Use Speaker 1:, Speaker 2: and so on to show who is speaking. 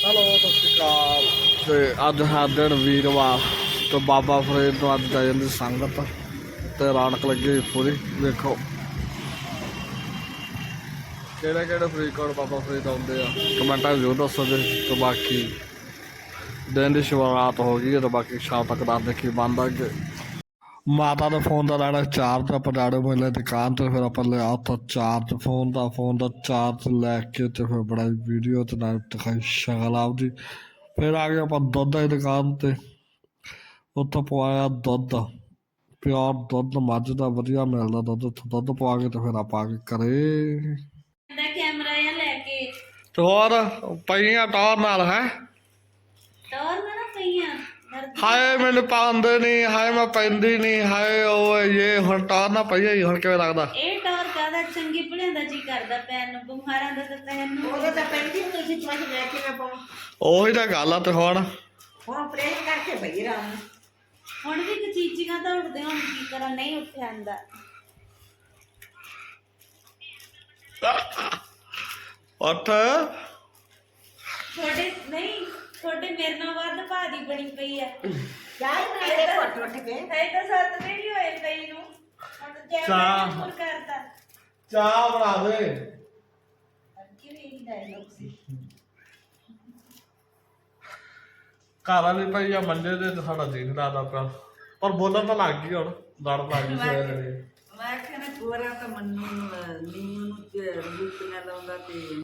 Speaker 1: Hello ਸਤਿ ਸ਼੍ਰੀ ਅਕਾਲ। ਤੇ ਅੱਜ ਹੈ ਦਿਨ ਵੀਰਵਾਰ ਤੇ ਬਾਬਾ ਫਰੀਦ ਤੋਂ ਅੱਜ ਜਾ ਜਾਂਦੀ ਸੰਗਤ ਤੇ ਰੌਣਕ ਲੱਗੀ ਹੋਈ ਪੂਰੀ। ਵੇਖੋ ਕਿਹੜੇ ਕਿਹੜੇ ਫਰੀਦਕੋਟ ਬਾਬਾ ਫਰੀਦ ਆਉਂਦੇ ਆ, ਕਮੈਂਟਾਂ ਜ਼ਰੂਰ ਦੱਸੋ ਜੀ। ਤੇ ਬਾਕੀ ਦਿਨ ਦੀ ਸ਼ੁਰੂਆਤ ਹੋ ਗਈ ਹੈ ਤੇ ਬਾਕੀ ਸ਼ਾਮ ਤੱਕ ਦੱਸਦੇ ਕੀ ਬਣਦਾ ਅੱਗੇ। ਮਾਤਾ ਦੇ ਫੋਨ ਦਾ ਲੈਣਾ ਚਾਰਜ, ਆਪਾਂ ਜਾਣੇ ਮਿਲੇ ਦੁਕਾਨ ਤੇ, ਫਿਰ ਆਪਾਂ ਲਿਆ ਉੱਥੋਂ ਚਾਰਜ ਫੋਨ ਦਾ ਚਾਰਜ ਲੈ ਕੇ ਤੇ ਫਿਰ ਬਣਾਈ ਵੀਡੀਓ ਤੇ ਨਾਲ ਦਿਖਾਈ ਸ਼ਕਲ ਆਪਦੀ। ਫਿਰ ਆ ਗਏ ਆਪਾਂ ਦੁੱਧ ਦੀ ਦੁਕਾਨ ਤੇ, ਉੱਥੋਂ ਪਵਾਇਆ ਦੁੱਧ, ਪਿਓਰ ਦੁੱਧ ਮੱਝ ਦਾ ਵਧੀਆ ਮਿਲਦਾ ਦੁੱਧ। ਉੱਥੋਂ ਦੁੱਧ ਪਵਾ ਕੇ ਤੇ ਫਿਰ ਆਪਾਂ ਆ ਕੇ ਘਰੇ
Speaker 2: ਕੈਮਰਾ ਜਾਂ ਲੈ ਕੇ
Speaker 1: ਤੇ ਹੋਰ ਪਈਆਂ ਟੌਰ ਨਾਲ ਹੈ।
Speaker 2: ਟੌਰ ਨਾ ਪਈਆਂ
Speaker 1: ਹਾਏ ਮੈਨੂੰ ਪਾਉਂਦੇ ਨਹੀਂ, ਹਾਏ ਮੈਂ ਪੈਂਦੀ ਨਹੀਂ, ਹਾਏ ਉਹ ਇਹ ਹੁਣ ਟੌਰ ਨਾ ਪਈ ਹੋਈ ਹੁਣ ਕਿਵੇਂ ਲੱਗਦਾ।
Speaker 2: ਇਹ ਟੌਰ ਕਾਹਦਾ ਚੰਗੀ ਭਲਿਆਂ ਦਾ ਜੀ ਕਰਦਾ ਪੈਣ ਨੂੰ, ਬਿਮਾਰਾਂ ਦਾ ਤਾਂ ਪੈਣ ਨੂੰ
Speaker 3: ਉਹਦਾ ਤਾਂ ਪੈਂਦੀ ਨਹੀਂ ਸੀ ਚਮਚ ਲੈ ਕੇ ਮੈਂ ਪਾਉਂ।
Speaker 1: ਉਹੀ ਤਾਂ ਗੱਲ ਆ। ਤੇ ਹੁਣ
Speaker 3: ਪ੍ਰੇਮ ਕਰਕੇ ਭਈ ਰਾਮ
Speaker 2: ਹੁਣ ਵੀ ਕਚੀਚੀਆਂ ਤਾਂ ਉੱਠਦੇ, ਹੁਣ ਕੀ ਕਰਾਂ, ਨਹੀਂ ਉੱਠਿਆ ਜਾਂਦਾ।
Speaker 1: ਉੱਠ
Speaker 2: ਤੁਹਾਡੇ ਨਹੀਂ, ਤੁਹਾਡੇ ਮੇਰੇ ਨਾਲ ਵੱਧ ਭਾਜੀ ਬਣੀ ਪਈ ਆ।
Speaker 3: ਚਾਹ ਬਣਾ ਕੇ ਘੁੱਟ ਉੱਠ ਕੇ
Speaker 2: ਹੈ ਤਾਂ 7 ਦਿਨ ਹੀ ਹੋਏ ਪਈ ਨੂੰ, ਹੁਣ
Speaker 1: ਚਾਹ।
Speaker 2: ਕੈਮਰਾ ਹੋਰ ਕਰਦਾ।
Speaker 1: ਚਾਹ ਬਣਾ ਦੇ।
Speaker 2: ਕਿਵੇਂ ਇਹ ਡਾਇਲੌਗ ਸੀ?
Speaker 1: ਘਰ ਵਾਲੀ ਭਾਈ ਆ ਮੰਡੇ ਦੇ ਤੇ ਸਾਡਾ ਦਿਨ ਲੱਗਦਾ ਪਿਆ, ਪਰ ਬੋਲਣ ਤਾਂ ਲੱਗ ਗਈ ਹੁਣ, ਲੜ ਲੱਗ ਗਈ ਸਵੇਰੇ।
Speaker 3: ਮੈਂ ਕਹਿੰਦਾ ਗੋਰਾ ਤਾਂ ਮੰਨੂ ਨੀਮੂ ਨੂੰ ਰੂਪ ਨਾ ਲਾਉਂਦਾ ਤੇ